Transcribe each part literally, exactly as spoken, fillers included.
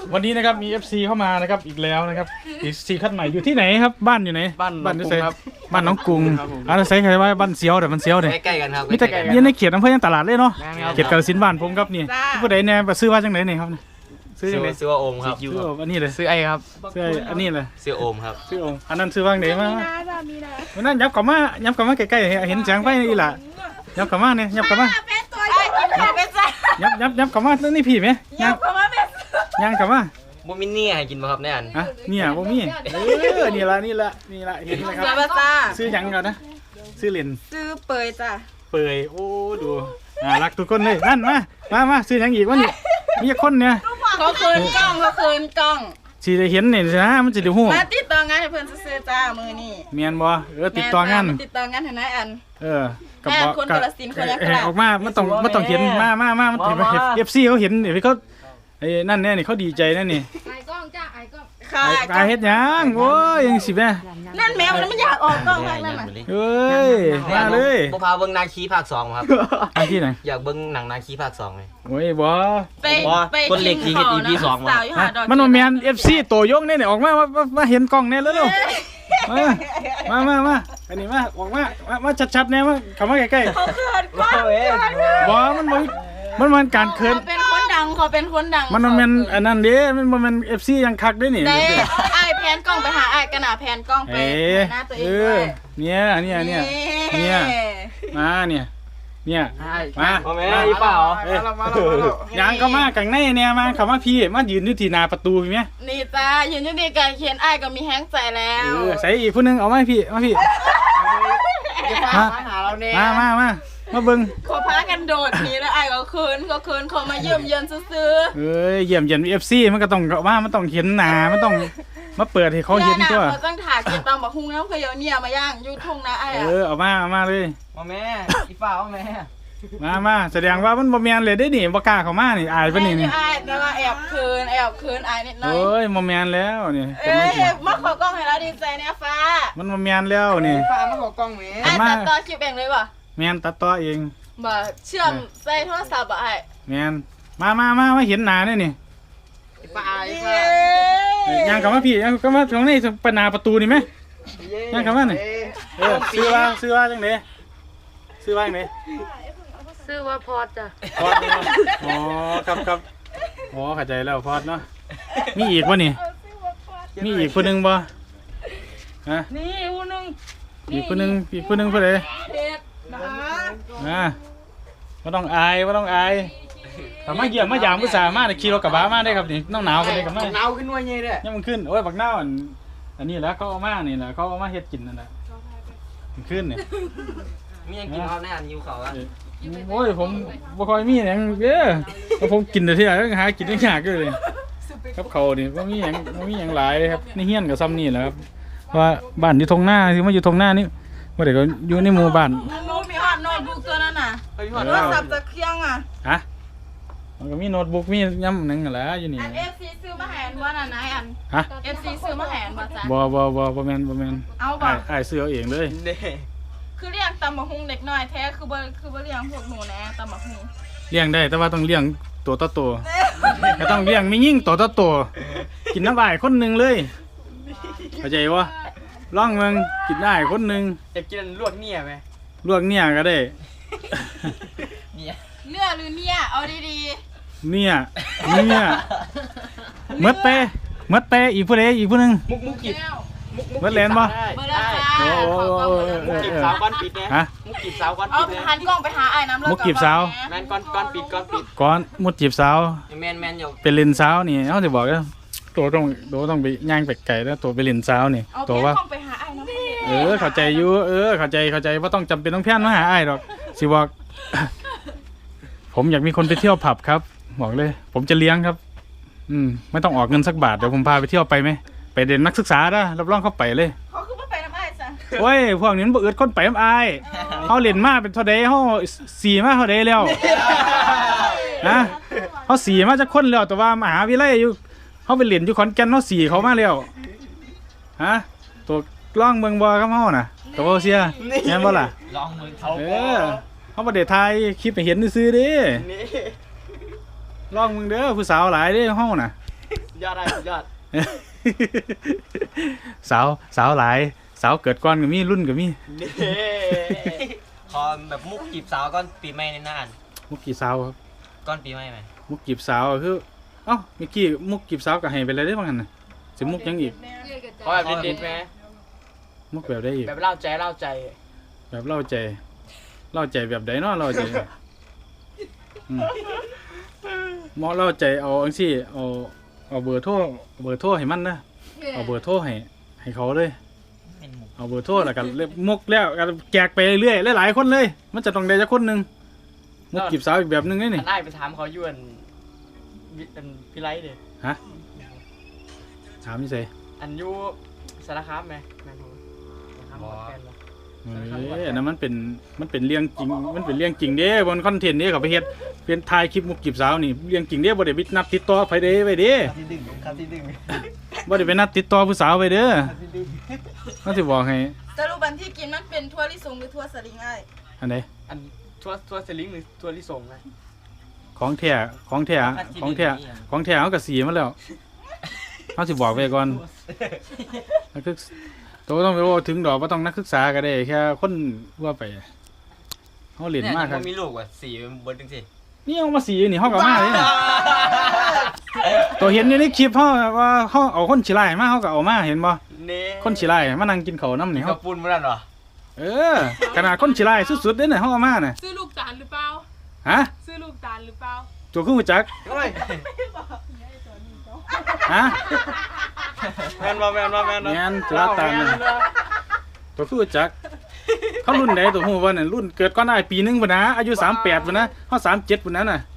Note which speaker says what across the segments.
Speaker 1: วันนี้นะครับมี เอฟ ซี เข้ามานะครับอีกแล้วนะครับ เอฟ ซี คัดใหม่อยู่ที่ไหนครับบ้านอยู่ไหน
Speaker 2: บ้านบ้านน้องกรุงครับ
Speaker 1: บ้านน้องกรุงอ่าใส่ใครว่าบ้านเสียวแต่มันเสียวเนี่ย
Speaker 3: ใกล้ๆกันครับ
Speaker 1: มีแต่ยืนในเขตอำเภอยังตลาดเลยเนาะ
Speaker 2: ครับ
Speaker 1: เขตกาฬสินธุ์บ้านผมครับนี่ผู้ใดเนี่ยซื้อว่าจังไหนเนี่ยครับซื้อ
Speaker 3: ซื้
Speaker 1: จั
Speaker 3: อง
Speaker 1: ไหน
Speaker 3: ซื้อว่าโอมครับ
Speaker 1: ซื้ออันนี้เลย
Speaker 2: ซื้อไอ้ครับ
Speaker 1: ซื้ออันนี้เลย
Speaker 3: ซื้อโอมครับ
Speaker 1: ซื้อองค์อันนั้นซื้อว่างไหนมา
Speaker 4: มีนะจ้ะมีนะ
Speaker 1: วันนั้นยับกลับมายับกลับมาใกล้ๆเห็นแสงไฟนี่ล่ะยับกลับมาเนี่ยยับกลับมา
Speaker 4: เป็นตัวใหญ่กินข้าวเป็นจ้ะ
Speaker 1: ยับยับยับกลับมาแล้วนี่พี่ไหม
Speaker 4: ยั
Speaker 1: ยั
Speaker 4: บบ เข้ามาเป็น
Speaker 1: ยังกลับมา
Speaker 3: บ่มินเนี่ยให้กินบ่ครับแน่อัน
Speaker 1: อ่ะเนี่ยบ่มีเออนี่ละนี่ละนี่ละเห็นไหมครับ
Speaker 4: เสือมาจ้า
Speaker 1: ซื้อหยังก่อนนะซื้อเหรียญ
Speaker 4: ซื้อเปยจ้ะ
Speaker 1: เปื่อยโอ้ดูอ่ารักทุกคนเลยนั่นมามามาซื้อหยังอีกวะนี่มีคนเนี่ย
Speaker 4: เขาคืนกล้องเขาคืนกล้อง
Speaker 1: สิได้เห็นนี่นะมันจะได้ฮู้
Speaker 4: มาติดต่องานให้เพื่อนซื้อจ้ามือนี่
Speaker 1: เมียนบ่เออติดต่องาน
Speaker 4: ติดต่องานให้นายอัน
Speaker 1: เออกับ
Speaker 4: แม่
Speaker 1: บ่
Speaker 4: คนกาฬสินธุ์คนยักษ์
Speaker 1: เออออกมามันต้องมันต้องเห็นมามามามันเห็น เอฟ ซี เขาเห็นนี่เขาไอ้นั่นแน่นี่เขาดีใจแน่นี่
Speaker 5: ไอ้กล้องจ้าไอ้กล้อง
Speaker 4: ค่ะ
Speaker 1: ไอ้กายเฮ็ดหยังโอ้ยยังสิแม่
Speaker 4: นั่นแมวมันอยากออกกล้องมากนั่นน่ะ
Speaker 1: เอ้ยมาเลย
Speaker 3: บ่พาเบิ่งนาคีภาคสองครับ
Speaker 1: อันที่ไหน
Speaker 3: อยากเบิ่งหนังนาคีภาคสองเลย
Speaker 1: โอ้ยบ่
Speaker 4: ไป
Speaker 3: ว่า
Speaker 4: ไป
Speaker 3: คนเหล็กที่เฮ็ด อี พี สองว่ะ
Speaker 4: สาวอยู่หาดอก
Speaker 1: มันบ่แม่น เอฟ ซี ตัวยงนี่นี่ออกมามามาเห็นกล้องแน่เร็วๆมามามามาอันนี้มาออกมามามาชัดๆแน่มาเข้ามาใกล้
Speaker 4: เขาเขินกล้องเขิน
Speaker 1: ๆบ่มันบ่มันมันการเคิน
Speaker 4: เขาเป็นคนดังเขาเป็นคนดัง
Speaker 1: มันบ่แม่นอันนั้นเด้มันบ่แม่น เอฟ ซี ยังคักเด้นี่
Speaker 4: เด้ไอ้ายแพนกล้องไปหาไอ้ายกระหน่าแพนกล้องไป
Speaker 1: เอ๊ะ
Speaker 4: หน้าตัวเอ
Speaker 1: เอง
Speaker 4: ด้
Speaker 1: อ
Speaker 4: วย
Speaker 1: เนี่ยเนี่ยเนี่ย เนี่ย มาเนี่ยเนี่ยมา
Speaker 3: บ่แม่อีเปล่า
Speaker 1: เอ้ยยางเข้ามากังในเนี่ยมาเข้ามาพี่มายืนอยู่ที่หน้าประตูพี่แม่
Speaker 4: นี่จ้ายืนอยู่ดีกันเขียนไอ้ายก็มีแห้งใจแล้ว
Speaker 1: เออใส่อีกผู้หนึงเอามาให้พี่มาพี่
Speaker 2: มาหาเราเนี่ย
Speaker 1: มามามามาเบิ่ง
Speaker 4: ขอพากันโดดหนีแล้วไอ้ายก็คืนก็คืนเขามาเยี่ยมเยือนซื้อ
Speaker 1: เอ้ยเยี่ยมเยียน เอฟ ซี มันก็ต้องว่ามันต้องเห็นหน้ามันต้องมาเปิดให้
Speaker 4: ๆ
Speaker 1: เขาเห็นตัว
Speaker 4: เขาต้องถ่ายเก็บตามบักฮุ้งแล้วเขาเอาเนี่ยมาย่างอยูทุ่งนะไอ้าย
Speaker 1: เอ
Speaker 4: อะ
Speaker 1: อเอามาเอามาเลย
Speaker 2: มาแม่อีเปล่าแม่
Speaker 1: มามาแสดงว่ามันบ่แม่นเลยได้นี่บ่กล้าเข้ามานี่อายปะนี่นี่
Speaker 4: ไอ้ายแต่ว่าแอบคืนแอบคืนไอ้ายนิดหน่อย
Speaker 1: โอ้ยบ่แม่นแล้วนี่เป็น
Speaker 4: เอ้
Speaker 1: จัง
Speaker 4: ย
Speaker 1: ซี่
Speaker 4: มาขอกล้องให้เราดีใจเนี่ยฟ้า
Speaker 1: มันบ่แม่นแล้วนี่
Speaker 2: ฟ้ามาขอกล้องแม่
Speaker 4: ไอ้าย
Speaker 1: มา
Speaker 4: ตัดต่อคลิปเองเลยป่ะ
Speaker 1: แม่นตัดต่อเอง
Speaker 4: บ่เชื่อมใส่โทรศัพท์อ่ะไอ้าย
Speaker 1: แม่นมามามามาเห็นหน้าเนี่ยนี่
Speaker 2: อีเปล่าอี
Speaker 4: เย้
Speaker 2: เปล่า
Speaker 1: ย่างเข้ามาพี่ย่างเข้ามาตรงนี้ปนาประตูนี่ไหม ยังกลับมาหน่อย เออซื้อว่าซื้อว่าจังไดซื้อว่าจังได
Speaker 5: ซื้อว่าพอดจ้ะ
Speaker 1: พอดเนาะอ๋อครับครับอ๋อเข้าใจแล้วพอดเนาะมีอีกบ่นี่มีอีกคนหนึงบ่ฮะ
Speaker 4: นี่อูนึง
Speaker 1: อีกคนหนึงอีกคนหนึงผู้ใด
Speaker 4: เด็ดนะ
Speaker 1: อ่าบ่ต้องอายบ่ต้องอายถ้ามาเยี่ยมมายามผู้สาวมาเนี่ยขี่รถกระบะมาได้ครับนี่น้องหนาวกันเลยกับมา
Speaker 2: หนาวขึ้นว่าไงเนี่ย
Speaker 1: ยังมันขึ้นโอ้ยบักหน้าวอันอันนี้แหล้วเขาเอามานี่แหละเขาเอามาเฮ็ดกินนั่นแหละมันขึ้นนี่
Speaker 3: มีหยังกินครับแน่อันหิวข้าวอ่ะ
Speaker 1: โอ้ยผมบ่ค่อยมีหยังเด้อเพราะผมกินแต่ที่ไหนหากินได้ยากอยู่เลยครับเขานี่บ่มีหยังบ่มีหยังหลายเลยครับในเฮียนก็ซ้ำนี่แหละครับเพราะว่าบ้านอยู่ตรงหน้าที่มาอยู่ตรงหน้านี่บ่ได้ก็อยู่ในหมู่บ้าน
Speaker 4: นูมีฮอตโน้ตบุ๊กตัวนั้นน่ะ
Speaker 2: ไปพี่หอด
Speaker 4: โทรศัพท์จะเครื่องอ่ะ
Speaker 1: ฮะมันก็มีโน้ตบุ๊กมียำหนึงนั่นแหละอยู่นี่
Speaker 4: อัน เอฟ ซี ซื้อมาแหนว่าน่ะนายอัน
Speaker 1: ฮะ
Speaker 4: เอฟ ซี ซื้อมาแหนว่าจ้ะ
Speaker 1: บ่บ่บ่บ่แม่นบ่แม่น
Speaker 4: เอาบ่
Speaker 1: อ้ายอ้ายซื้อเอาเองเลย
Speaker 2: เด้
Speaker 4: คือเลี้ยงตำบักฮุงเด็กน้อยแท้คือบ่คือบ่เลี้ยงพวกหนูแน่ตำบักฮุง
Speaker 1: เลี้ยงได้แต่ว่าต้องเลี้ยงตัวต่อตัวก็ต้องเลี้ยงไม่ยิ่งตัวต่อตัวกินน้ำอ้ายคนหนึงเลยเข้าใจบ่ลองเบิ่งกินได้คนหนึง
Speaker 2: อยากกินลวกเนี่ยไหม
Speaker 1: ลวกเนี่ยก็ได้
Speaker 2: เนี่ย
Speaker 4: เนื้อหรือเนี่ยเอาดี
Speaker 1: เนี่ยเนี่ยหมดไปหมดไปอีกผู้ใดอีกผู้หนึง
Speaker 2: มุกมุก
Speaker 4: ๆ
Speaker 2: กีบ
Speaker 4: แก้ว
Speaker 2: มุกมุก
Speaker 1: เบิดแลนด์บ่
Speaker 2: ได้
Speaker 4: เบอร์ละ
Speaker 2: ได้
Speaker 4: ค่ะ
Speaker 1: โอ้โห
Speaker 4: ขอกล้องเบอร์ละ
Speaker 1: เอ
Speaker 2: มุก
Speaker 1: อ
Speaker 2: กีบสาวก้อนปิดเนี่ย
Speaker 1: ฮะ
Speaker 2: มุกกีบสาวก้อน
Speaker 4: เอา
Speaker 2: ปิดเนี่ย
Speaker 4: หันกล้องไปหาไอ้น้ำเลิ
Speaker 1: มุกจีบสาว
Speaker 2: แมนก้อนก้อนปิดก้อนปิด
Speaker 1: ก่อนมุดจีบสาว
Speaker 3: แม่นแม่นอยู่
Speaker 1: เป็นเลนสาวนี่เขาจะบอกว่าตัวต้องตัวต้องไปย่างไปไก่แล้วตัวไปเลนสาวนี่
Speaker 4: เอา
Speaker 1: ตัว
Speaker 4: เพี้ย
Speaker 1: ว่า
Speaker 4: นกล้องไปหาไอ้น้ำเลิศ
Speaker 1: เออเข้าใจอยู่เออเข้าใจเข้าใจว่าต้องจำเป็นต้องเพี้ยนมาหาอ้ายหรอกสิบอก ผมอยากมีคนไปเที่ยวผับครับบอกเลย ผมจะเลี้ยงครับ อืมไม่ต้องออกเงินสักบาทเดี๋ยวผมพาไปเที่ยวไปไหมไปเด่นนักศึกษานะรับรองเข้าไปเลย
Speaker 4: เขาคือบ่ไปน้ำไอ้จ้ะ
Speaker 1: โอ้ยพวกนี้มันบ่อึดคนไปน้ำอายเขาเล่นมาเป็นเท่าใดเขาสีมาเท่าใดแล้วนะเขาสีมาจากคนแล้วแต่ว่ามหาวิทยาลัยอยู่เขาไปเล่นอยู่ขอนแก่นเขาสีเขามาแล้วฮะตัวกล้องเมืองบ่ครับเฮาน่ะตัวบ่เสียแม่นบ่ล่ะ
Speaker 3: ลองมือเขา
Speaker 1: เออเขาบ่ได้ถ่ายคลิปให้เห็นซื่อๆเด้
Speaker 2: นี่
Speaker 1: ลองมึงเด้อผู้สาวหลายเด้เฮาน่ะ
Speaker 2: สุดยอดได้สุดยอด
Speaker 1: สาวสาวหลายสาวเกิดก่อนก็มีรุ่นก็มี
Speaker 2: นี่
Speaker 3: ขอแบบมุกจีบสาวก่อนปีใหม่ในหน้าอัน
Speaker 1: มุกกี่สาวครับ
Speaker 3: ก่อนปีใหม่ไหม
Speaker 1: มุกจีบสาวก็คือเอ้าเมื่อกี้มุกจีบสาวก็ให้ไปเลยได้บ้างกันน่ะสิมุกยังอีก
Speaker 5: เรียกกัน
Speaker 2: ขอ
Speaker 5: จ้า
Speaker 2: แบบเด็ดๆไหม
Speaker 1: มุกแบบได้อีก
Speaker 2: แบบเล่าใจเล่าใจ
Speaker 1: แบบเล่าใจเล่าใจแบบใดเนาะเล่าใจอืมหมอเล่าใจเอาอังซี่เอาเอาเบอร์โทรเบอร์โทรให้มันนะเอาเบอร์โทรให้ให้เขาเลย
Speaker 3: เป็นมุก
Speaker 1: เอาเบอร์โทรแล้วกันมุกแล้วก็แจกไปเรื่อยๆหลายๆคนเลย มันจะต้องได้จักคนหนึงมุกจีบสาวอีกแบบหนึงนี่
Speaker 2: อั
Speaker 1: นี่
Speaker 2: นได้ไปถามเขาอยวนวิอันพี่ไลท์เด้
Speaker 1: ฮะถามนี่ใส่
Speaker 2: อันอยูสารคามไหมแมนโฮสารคามหมดแฟนแล้ว
Speaker 1: เอ้ยอันนั้นมันเป็นมันเป็นเรื่องจริงมันเป็นเรื่องจริงเด้บนคอนเทนต์นี้เขาไปเฮ็ดเป็นถ่ายคลิปมุกจีบสาวนี่เรื่องจริงเด้บ่ได้ไปนัดติดต่อไผเด้ไว้เด้
Speaker 3: ที่ดึงครับที่ดึง
Speaker 1: บ่ได้ไปนัดติดต่อผู้สาวไว้เด้อมันสิบอกให้
Speaker 4: สรุปวันที่กินมันเป็นทั่วลิสงหรือทั่วสลิงไอ้
Speaker 1: อันใด
Speaker 2: อันทัวร์ทัวร์เซลิงหรือทัวร์ลิส่งนะ
Speaker 1: ของแท้ของแท้ของแท้ของแท้เขาก็สีมาแล้วเขาสิบอกไว้ก่อนนักศึกษาตัวต้องไปว่าถึงดอกบ่ต้องนักศึกษาก็ได้แค่คนว่าไปเฮาเล่นมากครับ
Speaker 3: มีลูกว่ะสี่เป็นเบิร์ดจังสิ
Speaker 1: นี่เอามาสีนี่เฮาก็มาเลยนะตัวเห็นอยู่ในคลิปเฮาว่าเฮาเอาคนขี้ร้ายมาเฮาก็เอามาเห็นบ่
Speaker 2: เน่
Speaker 1: คนขี้ร้ายมานั่งกินข้าวน้ำนี่
Speaker 3: ก
Speaker 1: เฮา
Speaker 3: ระปุนเมื่อนั้นเหรอ
Speaker 1: เออขนาดคนขี้ร้ายสุดๆเด้น่ะเฮาเอามาน่ะ
Speaker 5: ซื้อลูกตาลหรือเปล่า
Speaker 1: ฮะ
Speaker 5: ซื้อลูกตาลหรือเปล่า
Speaker 1: ตัวคือรู้จัก
Speaker 2: เฮ้ย
Speaker 1: ฮะ
Speaker 2: แมนบ่แมนบ่แมนบ่
Speaker 1: แม่นจุฬาตาลน่ะ ตัวคือรู้จักเขารุ่นไหนตัวฮู้ว่านั่นรุ่นเกิดก่อนอ้ายปีหนึงพุ่นนะอายุสามสิบแปดพุ่นนะเฮาสามสิบเจ็ดพุ่นนั้นน่ะ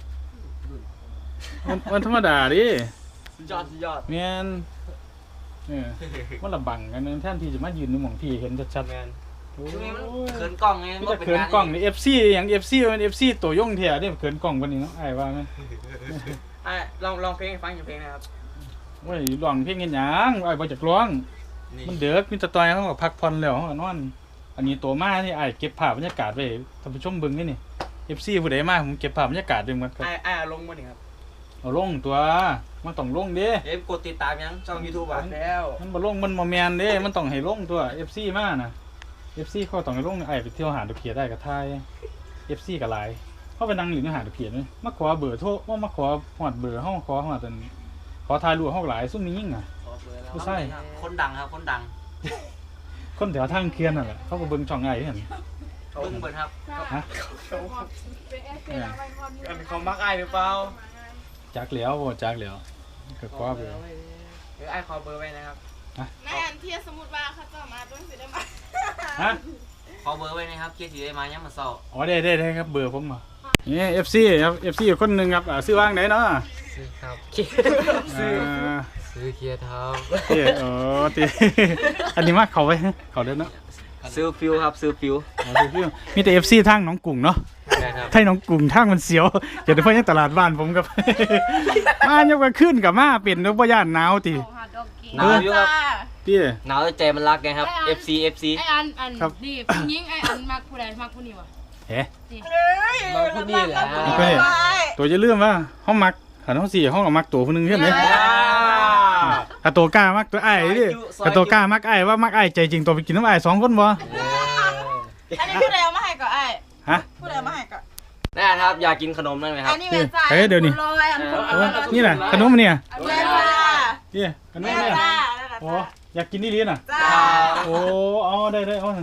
Speaker 1: มันมันธรรมดาดิ
Speaker 2: สุดยอดสุดยอด
Speaker 1: แม่นเออมันละบังกันแทนที่จะมายืนในหม่องพี่เห็นชัด
Speaker 2: แมน
Speaker 1: ๆโอ้
Speaker 3: ช่วงนี้มัน
Speaker 1: ย
Speaker 3: เขินกล้องไง
Speaker 1: มันจะเขินกล้องนี่ เอฟ ซี หยัง เอฟ ซี มัน เอฟ ซี ตัวยงแท้นี่เขินกล้องปานนี้เนาะอ้ายว่าแม่น
Speaker 2: ไอ้ลองลองเพลงให้ฟังอย่างเพลงนะครับ
Speaker 1: โอ้ยร้องเพลงเฮ็ดหยังอ้ายบ่จักร้อง มันเด้อมีแตะตอยเฮาก็พักผ่อนแล้วเฮาก็นอน อันนี้ตัวมาที่อ้ายเก็บภาพบรรยากาศไว้ท่านผู้ชมเบิ่งนี่นี่ เอฟ ซี ผู้ใดมาผมเก็บภาพบรรยากาศไว้หมดครับ
Speaker 2: ไอ้ไอ้เอาลงมาหนิครับ
Speaker 1: เอาลงตัวมันต้องลงเด้
Speaker 3: เอ๊ะกดติดตามยังช่องยูทูบ
Speaker 2: บั
Speaker 3: อ่ะ
Speaker 2: ดแล้ว
Speaker 1: มันบ่ลงมันบ่แม่นเด้ มันต้องให้ลงตัว เอฟ ซี มาน่ะ เอฟ ซี เขาต้องให้ลงไอ้ไปเที่ยวหาดอกเขียได้ก็ทาย เอฟ ซี ก็หลายเขาไปนั่งหลินหาดอกเขียนี่มาขอเบอร์โทรว่ามาขอฮอดเบอร์เฮาขอฮอดอันขอถ่ายรูปเฮาหลายซุ่มนี้ยิ่งอ่ะ ผู้ชาย
Speaker 3: คนดังครับคนดัง
Speaker 1: คนแถวทางเคียนนั่นแหละเขาก็เบิ่งช่องไอ้เห็น
Speaker 3: เบิ้งเบิร์ดครับ
Speaker 1: ฮะ
Speaker 5: เป็นแอร์เฟลาไว้ก่อน
Speaker 2: อันเขามักไอ้หรือเปล่า
Speaker 1: จักแล้วบ่จักแล้วก็ขอเบอร์
Speaker 2: เดี๋ยวไอ้ขอเบอร์ไว้นะครับ
Speaker 4: แม่อันเทียสมมุติว่าเขาจะมาต้องสิได้มา
Speaker 1: ฮะ
Speaker 3: ขอเบอร์ไว้นะครับเคสสีได้มายังมาเศร้า
Speaker 1: อ๋อได้ได้ได้ครับเบอร์ผมมานี่ เอฟ ซี ครับ เอฟ ซี คนหนึงครับอ่าซื้อว่างไหนเนาะ
Speaker 3: ซื้อครับ
Speaker 1: ซื้อ
Speaker 3: ซื้อเคียร์เท้า
Speaker 1: เอ้เออติ อันนี้มาเข้าไว้เข้าเด้อเนาะ
Speaker 3: ซื้อฟิวครับซื้อฟิว
Speaker 1: อ๋อซื้อฟิวมีแต่ เอฟ ซี ทางหนองกรุงเนาะ
Speaker 3: นะครับ
Speaker 1: ไทยหนองกรุงทางมันเสียวเดี๋ยวเดี๋ยวเพิ่นยังตลาดบ้านผมกับ มายกไปขึ้นกับมาเป็นเด้อบ่ย่านหนาวติ
Speaker 5: ของหาดอกกี้
Speaker 3: หนาวอยู่ครับ
Speaker 1: ติ
Speaker 3: หนาวแต่ใจมันรักไงครับ เอฟ ซี เอฟ ซี
Speaker 5: ไออันอัน
Speaker 1: ครับ
Speaker 5: นี่ผู้หญิงไออันมักผู้ใดมักผู้นี้วะ
Speaker 1: เฮ้
Speaker 5: นี่
Speaker 3: มาพูดนี่แหละ
Speaker 1: เฮ้ตัวจะเลื่อมว่าเฮามักหันเฮาสิเฮาก็มักตัวผู้หนึงเฮ็ดเด้ถ้าตัวกล้ามักตัวอ้ายดิถ้าตัวกล้ามักอ้ายว่ามักอ้ายใจจริงตัวไปกินน้ำอ้ายสองคนบ่
Speaker 4: อันนี้ผู้ใดเอามาให้ก่อนไอ้
Speaker 1: ฮะ
Speaker 4: ผู้ใดเอามาให้ก่อน
Speaker 3: แน่ครับอยากกินขนมได้ไหมครั
Speaker 4: อั
Speaker 3: บ
Speaker 4: นนี้แม่จ่าย
Speaker 1: เฮ้ยเดี๋ยวนี้
Speaker 4: ลอยอันคน
Speaker 1: โอ้นี่น่ะขนมเนี่ย
Speaker 4: แม่จ่า
Speaker 1: นี่ขนม
Speaker 4: แม่
Speaker 1: เนี่ย
Speaker 4: จ่า
Speaker 1: โอ้อยากกินนี่ลีน่ะ
Speaker 4: จ้า
Speaker 1: โอ้เอาได้ได้เอา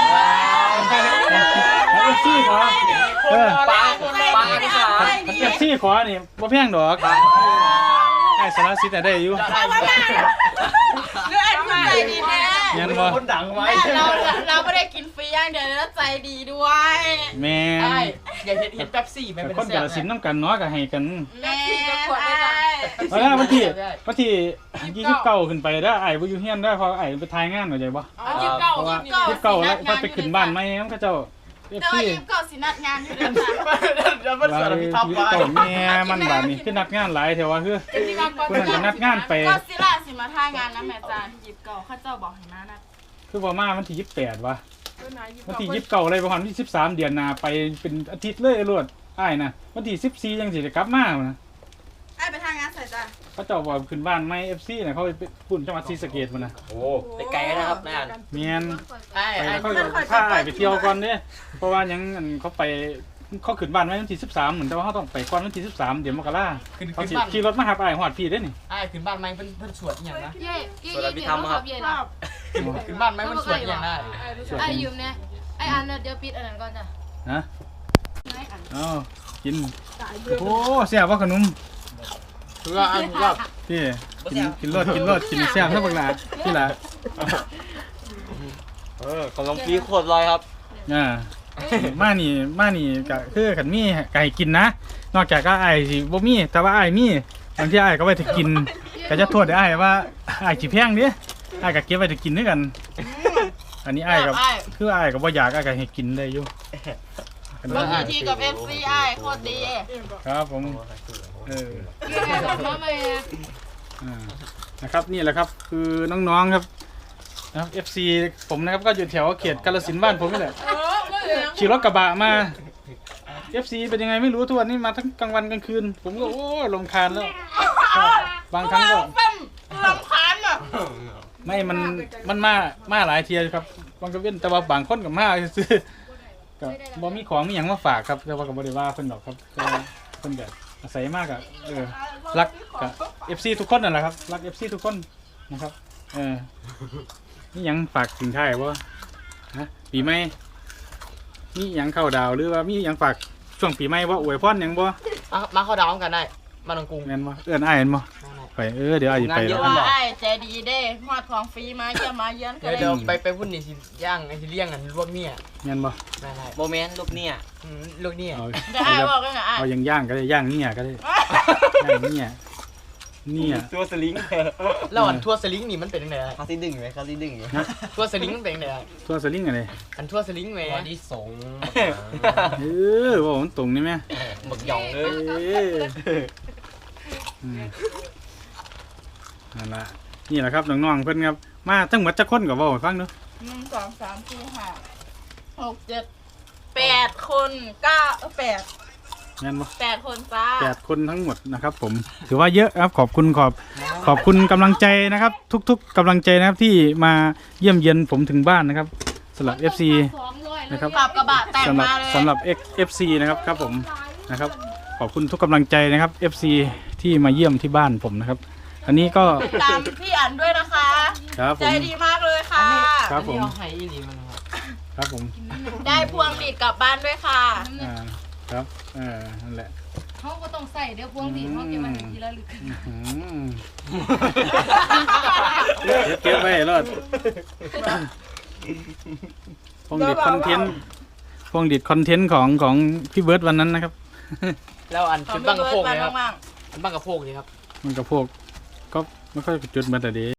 Speaker 1: เอฟซีขอเออ
Speaker 3: ปลาปลาที่ขา
Speaker 1: เอฟซีขอนี่บ่แพงดอกไอ้สารสิทธิ์น่ะได้อยู่
Speaker 4: เรื่องอันนี้ใจดีแน่
Speaker 1: ยันบ่
Speaker 2: คนดังไว้
Speaker 4: แม่เราเราไม่ได้กินฟรีอย่างเดียวแล้วใจดีด้วย
Speaker 1: แม่
Speaker 2: ไอ้
Speaker 1: น
Speaker 2: อย่าเห็นเห็นแป๊บซี่แม่
Speaker 1: แต่
Speaker 2: เป็น
Speaker 1: คนกาฬสินธุ์นำกันเนาะก็ให้กัน
Speaker 4: แม่
Speaker 1: เอาละวันที่วันที่ยี่สิบเก้าขึ้นไปเด้อไอ้บ่อยู่เฮียนเด้อเพราะไอ้ไปถ่ายงานเข้าใจบ่
Speaker 5: เอายี่สิบเก้า
Speaker 1: เพราะว่า
Speaker 5: ยี่สิบเก้า
Speaker 1: ยี่สิบเก้าแล้วพอไปขึ้นบ้านใหม่นำเขาเจ้า เอฟ
Speaker 4: แต่ว่า
Speaker 1: ซี
Speaker 4: ยิมเก่าสินัดงานอยู่ด้วยจ้ะ
Speaker 2: เดี๋ยวมัน
Speaker 1: ว่า
Speaker 2: สารพิทับ
Speaker 1: ชีวิต
Speaker 2: ไว้
Speaker 1: เก่าแม่มันบาดนี้คือนัดงานหลายแถวว่าคือคนนั้นก็นัดงานไป
Speaker 4: ก็สิล่าสิมาท่างานนะแม่จานยิบเก่าข้าเจ้าบอกให้มานะ
Speaker 1: คือบ่มาวันที่ยี่สิบแปดวะวันที่ยี่สิบเก้าอะไรประมาณวันที่สิบสามเดือนหน้าไปเป็นอาทิตย์เลยรวดอ้ายนะวันที่สิบสี่ยังสิได้กลับมานะ
Speaker 4: ไอ้ไปทางงานใส่จ้ะ
Speaker 1: เขาเจ้าบอกขึ้นบ้านไม่ เอฟ ซี น่ะเขาไปปุ่นจังหวัดศรีสะเกษพุ่นน่ะ
Speaker 3: โอ้ไปไกลนะครับนายอัน
Speaker 1: เมียน
Speaker 2: ไอ้
Speaker 1: ไป
Speaker 2: ไอ้
Speaker 1: แล้วเขาก็พาอ้ายไปเที่ยวก่อนเด้เพราะว่าหยังอันเขาไปเขาขึ้นบ้านไว้วันที่สิบสามเหมือนแต่ว่าเขาต้องไปก่อนวันที่สิบสามเดี๋ยวมกรา
Speaker 2: ขึ้น
Speaker 1: เขา
Speaker 2: ขึ้น
Speaker 1: สิ
Speaker 2: บ้าน
Speaker 1: ขี่รถมาหาอ้ายฮอดพี่เด้นี่
Speaker 2: ไอ้ขึ้นบ้านไหมเพิ่นเพิ่นสวดอหย่างนะ
Speaker 5: เย่เย่เย่เย่ต้องขับเย่ละ
Speaker 2: ขึ้นบ้านไหมเพิ่นสวดอหย่างได้
Speaker 5: ไอ้ยืมเนี่ยไอ้อันเดี๋ยวปิดอันนั้นก่อนจ้ะ
Speaker 1: ฮะ
Speaker 5: ไอ้อัน
Speaker 1: เอากินโอ้แซ่บว่าขนม
Speaker 2: เพื่อไอ้ผมก็
Speaker 1: พี่กินกินรสกินรสกินแซ่บซะบักหลาพี่หล่ะ
Speaker 3: เออของน้องพีโคตรลอยครับ
Speaker 1: อ่ามานี่มานี่ก็คือขันมีไก่กินนะ นอกจากก็อ้ายสิบ่มีแต่ว่าอ้ายมีบางทีอ้ายก็ไว้ถ้ากินก็จะโทษได้อ้ายว่าอ้ายสิแพงเด้อ้ายก็เก็บไว้ถ้ากินด้วยกัน อันนี้อ้ายก็คืออ้ายก็บ่อยากอ้ายก็ให้กินได้อยู่
Speaker 4: บางทีกับ เอฟ ซี ไอ้โคตรดี
Speaker 1: ครับผมเออ
Speaker 5: เย่รถมาใหม่
Speaker 1: อ่านะครับนี่แหละครับคือน้องๆครับนะครับ เอฟ ซี ผมนะครับก็อยู่แถวเขตกาฬสินธุ์บ้านผมนี่แหละ
Speaker 4: เออไม่เหลือง
Speaker 1: ขี่รถกระบะมา เอฟ ซี เป็นยังไงไม่รู้ทุกวันนี้มาทั้งกลางวันกลางคืน ผมก็โอ้รำคาญแล้วบางครั้งก็
Speaker 4: เป็นลำคาญอ่ะ
Speaker 1: ไม่มันมันมามาหลายเทียครับบางก็เว้นแต่ว่าบางคนกับมาซื้อก็บ่มีของมีหยังมาฝากครับแต่ว่าก็บ่ได้ว่าเพิ่นดอกครับก็เพิ่นก็อาศัยมากอะเออรักกับ เอฟ ซี ทุกคนนั่นแหละครับรัก เอฟ ซี ทุกคนนะครับเออนี่ยังฝากถึงท้ายบ่ฮะปีใหม่มีหยังเข้าดาวหรือว่ามีหยังฝากช่วงปีใหม่บ่อวยพรหยังบ่
Speaker 2: มามาเข้าดาวกันได้มาตรงกรุง
Speaker 1: แม่นบ่เอื้อนอ้ายแม่นบ่ไปเออเดี๋ยวอ้ายสิไป
Speaker 2: งานเย
Speaker 1: แล้
Speaker 2: อะ
Speaker 1: ว
Speaker 4: ว่าไอ้ใจดีเด้หอดของฟรีมาเยี่ยมมาเยือนกั
Speaker 2: เดี๋
Speaker 4: น
Speaker 2: ยว
Speaker 4: เลย
Speaker 2: เดี๋ยวไปไปพุ่นนี่สิย่างไอ้ที่เลี้ยงกันลวกเนี่ย
Speaker 1: แม่นบ่
Speaker 2: ได้ได้
Speaker 3: โมเมนต์ลูกเนี่ย
Speaker 2: อืมลวกเนี่ย
Speaker 1: เอา
Speaker 4: จะไอ้บอกกันนะไอ้
Speaker 1: เอาย่างๆก็ได้ย่างเนี่ยก็ได้ย่างเนี่ยเนี่ย
Speaker 3: ตัวสลิง
Speaker 2: แล้วอันทั่วสลิงนี่มันเป็นยังไง
Speaker 3: เขาที่ดึงไหมเขาที่ดึงอยู่
Speaker 2: ทั่วสลิงมันเป็นยังไง
Speaker 1: ตัวสลิงอะไร
Speaker 2: อันทั่วสลิงไหม
Speaker 3: ตัวที่สง
Speaker 1: เออว่ามันตรงนี่แม่
Speaker 3: หมึกหยองเล
Speaker 1: เอย ออืมนั่นล่ะนี่แหละครับน้องๆเพิ่นครับมาทั้งหมดจักคนก็เว้าให้ฟังเด้อ
Speaker 4: หนึ่งสองสามสี่ห้าหกเจ็ดแปดคนเก้าเออแปด
Speaker 1: แม่นบ่
Speaker 4: แปดคนจ้า
Speaker 1: แปดคนทั้งหมดนะครับผมถือว่าเยอะครับขอบคุณขอบขอบคุณกำลังใจนะครับ ทุกๆกำลังใจนะครับที่มาเยี่ยมเยียนผมถึงบ้านนะครับสำหรับ เอฟ ซี นะครับ
Speaker 4: ขับกระบะแต่ง
Speaker 1: สำหรับ
Speaker 4: มาเลย
Speaker 1: สำหรับ เอฟ ซี นะครับครับผมนะครับขอบคุณทุกกำลังใจนะครับ เอฟ ซี ที่มาเยี่ยมที่บ้านผมนะครับ อันนี้ก็
Speaker 4: ติดตามพี่อันด้วยนะคะ
Speaker 1: ครับผ
Speaker 4: ใจ
Speaker 1: ม
Speaker 4: ดีมากเลยค่ะ
Speaker 1: ครับผม
Speaker 2: อันนี้เอาไห้อีหลีมันนะครับ
Speaker 1: ครับผม
Speaker 4: ได้พวงดีดกลับบ้านด้วยค่ะ
Speaker 1: อ่าครับเออนั่นแหละ
Speaker 5: เขาก็ต้องใส่เดี๋ยวพวงดีเขาเก็บมาถึงทีละลึก
Speaker 1: อืมเก็บเก็บไว้รอดพวงดิดคอนเทนต์พวงดิดคอนเทนต์ของของพี่เบิร์ดวันนั้นนะครับ
Speaker 2: แล้วอัน
Speaker 4: ขอ
Speaker 2: จุ
Speaker 4: ง
Speaker 2: ด
Speaker 4: พี่
Speaker 2: บังกระ
Speaker 4: เบิ
Speaker 2: โพ
Speaker 4: ร์ด
Speaker 2: ก
Speaker 4: ไป
Speaker 2: เลยครับ
Speaker 4: มาก
Speaker 2: อันบังกระโพกเลยครับ
Speaker 1: มันกับพวกก็ไม่ค่อยจุดมาแต่เดี